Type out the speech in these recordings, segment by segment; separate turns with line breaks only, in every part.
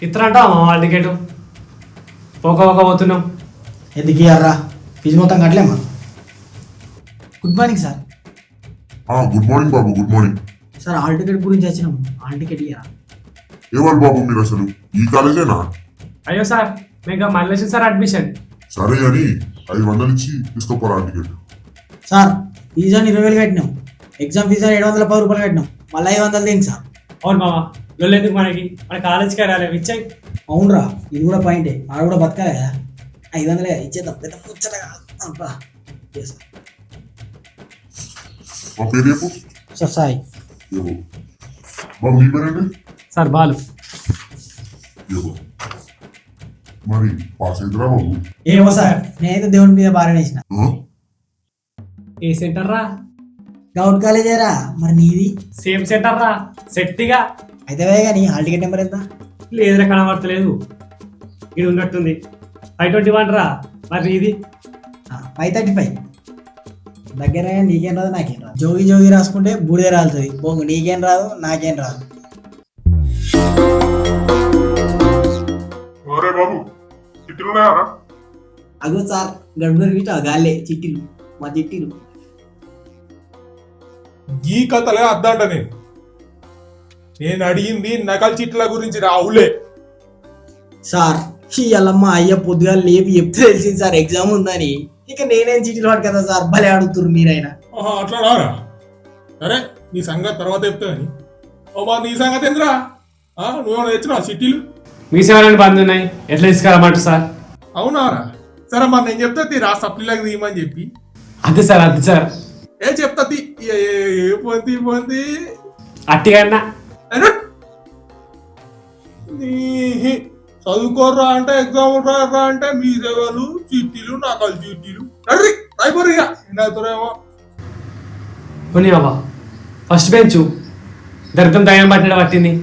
ఇతరంట వాళ్ళ టికెట్ పోక పోతున్నాం.
ఎందుకు ఇయ్యారా? ఫీజు మొత్తం కట్టలేమా? Good morning sir.
Good morning బాబు. Good morning
sir hall ticket గురించి వచ్చినాము. Hall ticket ఇయ్యారా?
ఏవాళ్ళు బాబు మీరు అసలు ఈ కాలేజేనా?
అయ్యో సార్ మీకు మళ్ళీ సార్ అడ్మిషన్.
సరే అని 500 ఇచ్చి తీసుకోపోరా టికెట్.
సార్ ఫీజు అని 20,000 కట్టినాం. ఎగ్జామ్ ఫీజు అని 710 రూపాయలు కట్టినాం. మళ్ళీ 500 దేనికి సార్?
అవును బావా, ఎందుకు మన కాలేజీకి రాలేదు ఇచ్చాయి.
అవునరా, ఇది కూడా పాయింటే. ఆడ కూడా బతకాలి కదా. 500 ఇచ్చేద్దాం. పెద్ద ముచ్చటగా అబ్బా.
మా పేరు చెప్పు.
సార్ సాయి.
ఏవో బాబు మీ పేరండి?
సార్ బాలు.
ఏవో మరి పాస్ అయిద్దరా బాబు?
ఏమో సార్, నేనైతే దేవుడి మీద బాగా వేసిన.
ఏ సెంటర్ రా?
గౌట్ కాలేజేరా. మరి నీది?
సేమ్ సెంటర్ రా, సెట్టిగా.
అయితే కానీ హాల్ టికెట్ నెంబర్ ఎంత?
లేదురా, కనబడతలేదు. ఇది ఉన్నట్టుంది 521 రా. మరి ఇది
535. దగ్గర నీకేం రాదు నాకేం రాదు. జోగి జోగి రాసుకుంటే బూడిదే రాలుతుంది. బొంగు నీకేం రాదు నాకేం రాదు.
బాబు చిట్టులున్నాయా?
అగో సార్ గడుపులు గాలే చిట్టీలు, మా చిట్టీలు.
ఈ కథలే అద్దంట. నేను అడిగింది నకల్ చిట్ల గురించి రావులే.
సార్ ఇయ్యాలమ్మ అయ్య పొద్దుగా లేపి చెప్తే తెలిసింది సార్ ఎగ్జామ్ ఉందని. ఇక నేనేం చీటీలు వాడు కదా సార్, భలే అడుగుతున్నారు మీరైనా.
అట్లా రారా? సరే నీ సంగతి తర్వాత చెప్తా కానీ నీ సంగతి ఎందురా? నువ్వేమైనా తెచ్చినావా చిట్టీలు?
మీ సేవలని బంద్ ఉన్నాయి, ఎట్లా తీసుకురామంటారు సార్?
అవునారా? సరే మరి నేను చెప్తా రా సప్లీలకు తీయమని చెప్పి.
అంతే సార్, అంతే సార్.
చెప్తా పోంది
అట్టిగా
చదువుకోర్రా అంటే ఎగ్జామ్ రారా అంటే మీ సేవలు చిట్టీలు నకలు చిట్టీలు అయిపోరు.
పోనీ బాబా, ఫస్ట్ బెంచ్ దరిద్రం దయ్యం పట్టిన పట్టింది.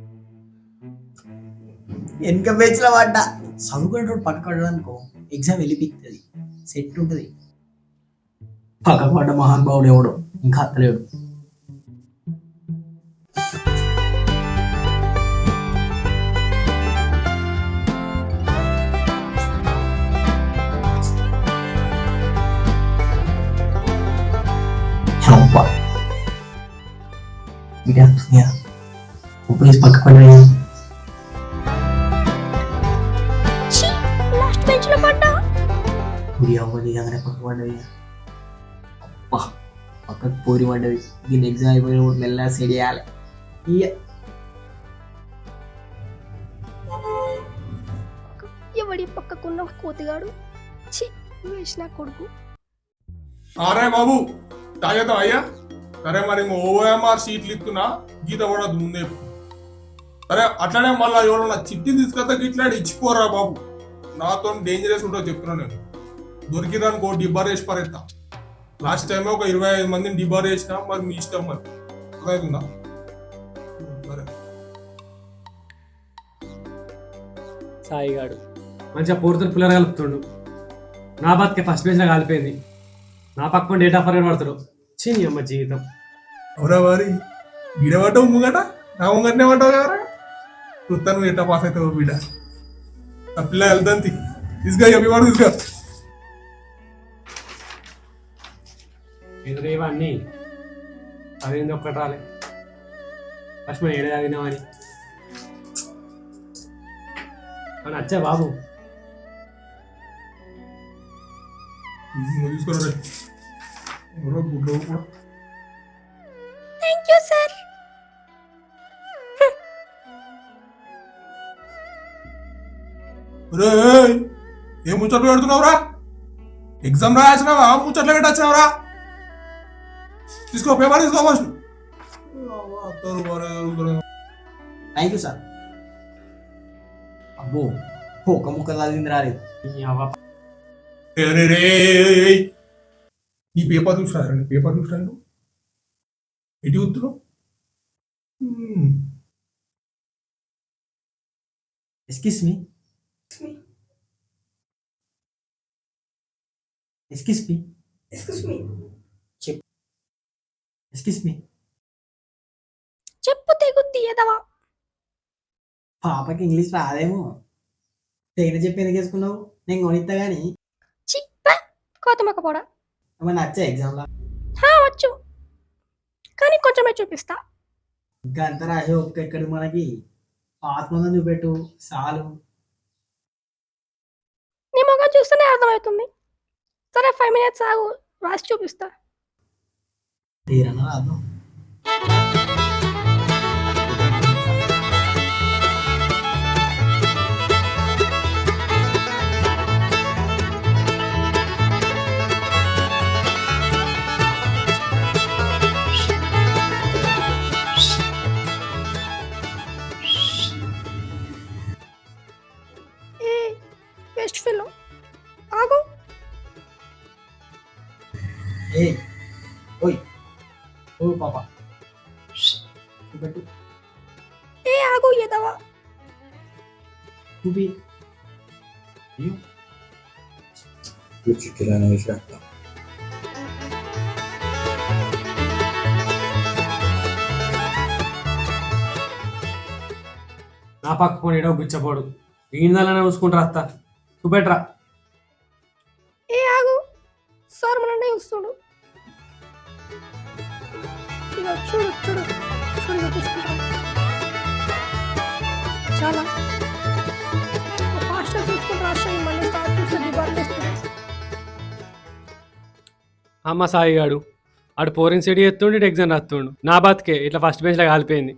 వెనక బెంచ్లో పడ్డా. చదువుకునేటప్పుడు పక్కడు అనుకో, ఎగ్జామ్ వెళ్ళిపిస్తుంది, సెట్ ఉంటుంది. పక్క పడ్డ మహానుభావుడు ఎవడు ఇంకా అత్తలేడు. పక్క పడ్డా. పక్కకు పోరి పడ్డది. దీన్ని ఎగ్జామ్ అయిపోయినప్పుడు మెల్లగా సెట్ చేయాలి.
ఎవడి పక్కకున్న కోతిగాడు వేసిన కొడుకు.
అరే బాబు తాగేద్దాం అయ్యా. సరే మరి ఓఎంఆర్ షీట్లు ఇస్తున్నా, గీత పడద్దు ముందే. సరే అట్లనే మళ్ళీ ఎవరన్నా చిట్టి తీసుకొస్తా ఇట్లాంటి ఇచ్చిపోరా బాబు. నాతో డేంజరస్ ఉంటుందో చెప్తున్నా నేను. దొరికిందనుకో డిబ్బార్ వేసి పరేస్తా. లాస్ట్ టైం ఒక 25 మందిని డిబార్ చేసినా. మరి మీ ఇష్టం మరి అర్థమవుతుందా? సరే
సాయిగాడు మంచిగా పూర్తులు పిల్లలు కలుపుతుండు. నా బతికే ఫస్ట్ బెంచ్లో కాలిపోయింది. నా పక్కన డేట్ ఆఫ్ బర్త్ పడతారు. చిన్ని అమ్మ జీవితం.
అవురా మరి గిడబడ్డావు ముంగట, నా ముంగటనే పడ్డావు కదా. చూస్తాను ఎట్లా పాస్ అవుతావు బిడ్డ. ఆ పిల్ల వెళ్తాను తీసుగా చెప్పేవాడు తీసుగా.
ఎదురేవన్నీ అదేంది ఒక్కటి రాలే. ఫస్ట్ మనం ఏడాది తినామని అని వచ్చా బాబు.
తీసుకోరా
థ్యాంక్ యూ సార్.
ఏం ముచ్చట్లు పెడుతున్నావురా? ఎగ్జామ్ రాసినావా? ముచ్చట్లు పెట్టచ్చినావురా? తీసుకో పేపర్ తీసుకో ఫస్ట్.
Thank you sir. అబ్బో ఒక ముక్క చదివింది రాలేదు.
నీ పేపర్ చూసారా? నీ పేపర్ చూసాను ఎటు చూస్తున్నావు?
Excuse me. Excuse me.
Excuse me.
Excuse me.
చెప్పు తెగు తీయదవా.
పాపకి ఇంగ్లీష్ రాదేమో. తేన చెప్పి ఎందుకు వేసుకున్నావు? నేను కొనిస్తా కానీ
చి కోతమొక్క పోడా.
ఏమన్నా నచ్చా ఎగ్జామ్లో?
వచ్చు కానీ కొంచెమే చూపిస్తా.
ఇంకా అంత రాసే ఒక్క ఎక్కడికి మనకి ఆత్మగా చూపెట్టు చాలు.
నీ మొగం చూస్తేనే అర్థమవుతుంది. సరే 5 minutes ఆగు, రాసి చూపిస్తా.
తీరన్నా రాదు.
ఏ బెస్ట్ ఫిలో ఆగు.
ఏ ఓయ్ ఓ పాప చూపెట్టు.
ఏ ఆగు ఎదవా.
చూపి.
నా పక్క పోనీ ఏడో గుచ్చపోడు ఈయనదాలనే చూసుకుంటారా అత్త చూపెట్రా.
ఏ ఆగు, సార్ మననే చూస్తుడు. ఇగో చూడు చూడు చూడు, ఇగో తీసుకుంటా. చాలా ఫాస్ట్గా చూసుకుంటూ రాస్తాయి. మళ్ళీ స్టార్ట్ చేస్తే డిబార్ చేస్తుంది.
అమ్మ సాయిగాడు ఆడు పోరిన్ సిటీ ఎత్తుండు, ఇటు ఎగ్జామ్ రాస్తుండు. నా బతికే ఇట్లా ఫస్ట్ బెంచ్లో కాలిపోయింది.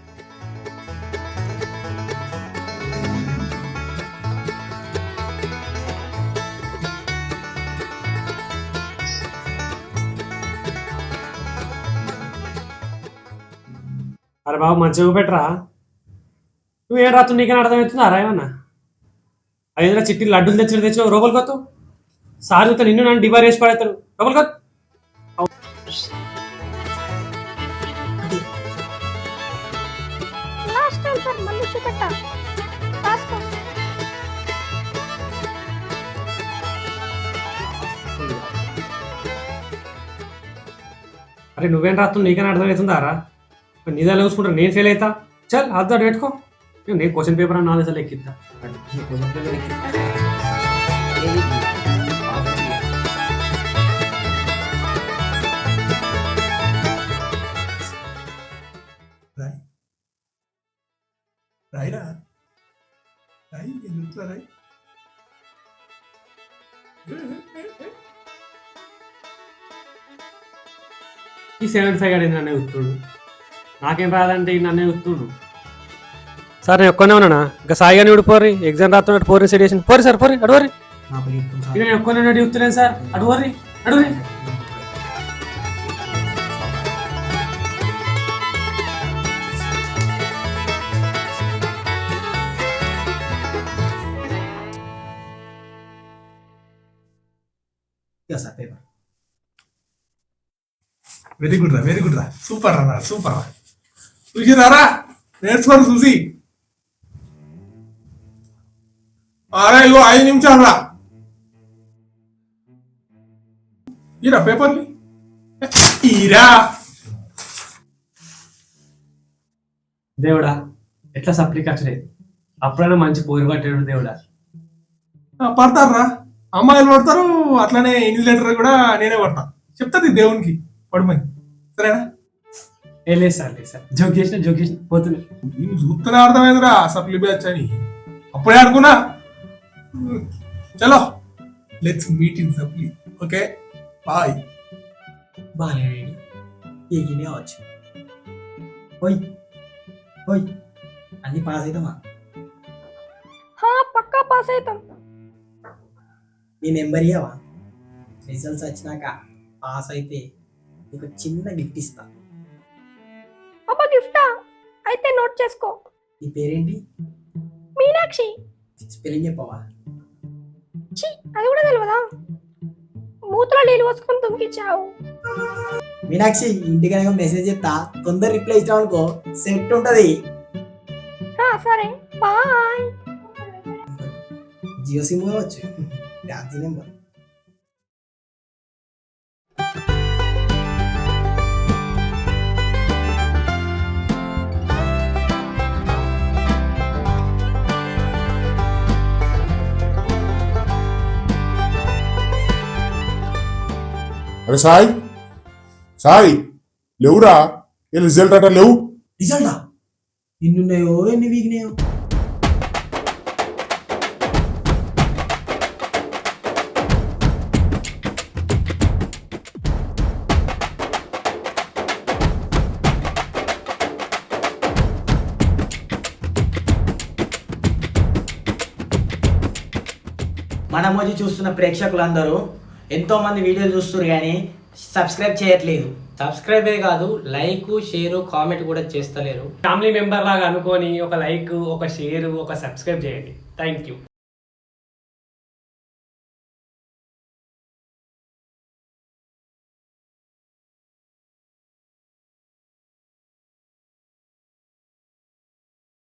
అరే బాబు మంచిగా పెట్టరా. నువ్వేం రాత్రు నీకైనా అర్థమవుతుందా రా ఏమన్నా? అదేంద్రా చిట్టి లడ్డూలు తెచ్చావు రోబల్ కొత్త సార్ చూస్తే నిన్ను నన్ను డిబార్ వేసి పడేస్తాడు. రోబల్ కొత్త
లాస్ట్ టైం సార్ మళ్ళీ చూపెట్టా. రాసుకో.
అరే నువ్వేం రాత్రు నీకైనా అర్థమవుతుందా రా? నిజాలు చూసుకుంటారు నేను ఫెయిల్ అవుతా. చల్ అద్దా పెట్టుకో. నేను క్వశ్చన్ పేపర్ అని 4 సార్లు ఎక్కిద్దా.
రాయిరా రాయి ఎందుకు రాయి.
ఈ 75 గాడు నన్నే ఉత్తుడు. నాకేం రాదంటే ఈ నన్నే ఉత్తుడు. సార్ నేను ఒక్కనే ఉన్నానా? ఇంకా సాయిగాని ఇప్పుడు పోరి ఎగ్జామ్ రాస్తున్నట్టు పోరి సెడియేషన్ పోరి సార్ పోరి అడుగురి. నేను ఒక్కనే ఉత్తులేను సార్ అడుగురి అడుగురి.
సార్ పేపర్
వెరీ గుడ్ రా సూపర్ రా చూసిరారా నేర్చుకోండి చూసి. అరే ఇగో 5 నిమిషాలు రా. ఈరా పేపర్ని ఈరా.
దేవుడా ఎట్లా సప్లీ ఖర్చులే అప్పుడైనా మంచి పోరు పట్టాడు దేవుడా.
పడతారా అమ్మాయిలు పడతారు అట్లానే ఇన్విజిలేటర్ కూడా నేనే పడతా. చెప్తాది దేవునికి పడమని సరేనా?
లేదు సార్ జోక్ చేసిన పోతుంది.
నేను చూస్తూనే అర్థమైందిరా సప్లీ బ్యాచ్ అని. అప్పుడే అనుకున్నా. చలో let's meet in supply. Okay bye.
బాగానే ఎగినే అవచ్చు. ఓయ్ ఓయ్ అన్ని పాస్ అవుతామా?
పక్కా పాస్ అవుతాం.
నీ నెంబర్ ఇవ్వవా? రిజల్ట్స్ వచ్చినాక పాస్ అయితే నీకు చిన్న గిఫ్ట్ ఇస్తా.
అబ్బా గిఫ్టా? అయితే నోట్ చేసుకో.
నీ పేరేంటి?
మీనాక్షి.
స్పెల్లింగ్ చెప్పవా?
ఛీ అది కూడా తెలియదా? మూతలో నీళ్ళు పోసుకొని దుంకిచ్చావు.
మీనాక్షి ఇంటికి కనుక మెసేజ్ చేస్తా తొందర రిప్లై ఇచ్చావు అనుకో సెట్ ఉంటది.
సరే బాయ్.
జియో సిమ్ కావచ్చు. డాన్సీ నెంబర్.
అరే సాయి సాయి లేవురా ఏ రిజల్ట్ అట లేవు
రిజల్టా ఎన్నున్నాయో ఎన్ని వీగినాయో. మన మోజీ చూస్తున్న ప్రేక్షకులందరూ ఎంతో మంది వీడియోలు చూస్తున్నారు కానీ సబ్స్క్రైబ్ చేయట్లేదు.
సబ్స్క్రైబే కాదు, లైక్ షేర్ కామెంట్ కూడా చేస్తలేరు. ఫ్యామిలీ మెంబర్ లాగా అనుకొని ఒక లైక్, ఒక షేర్, ఒక సబ్స్క్రైబ్ చేయండి. Thank you.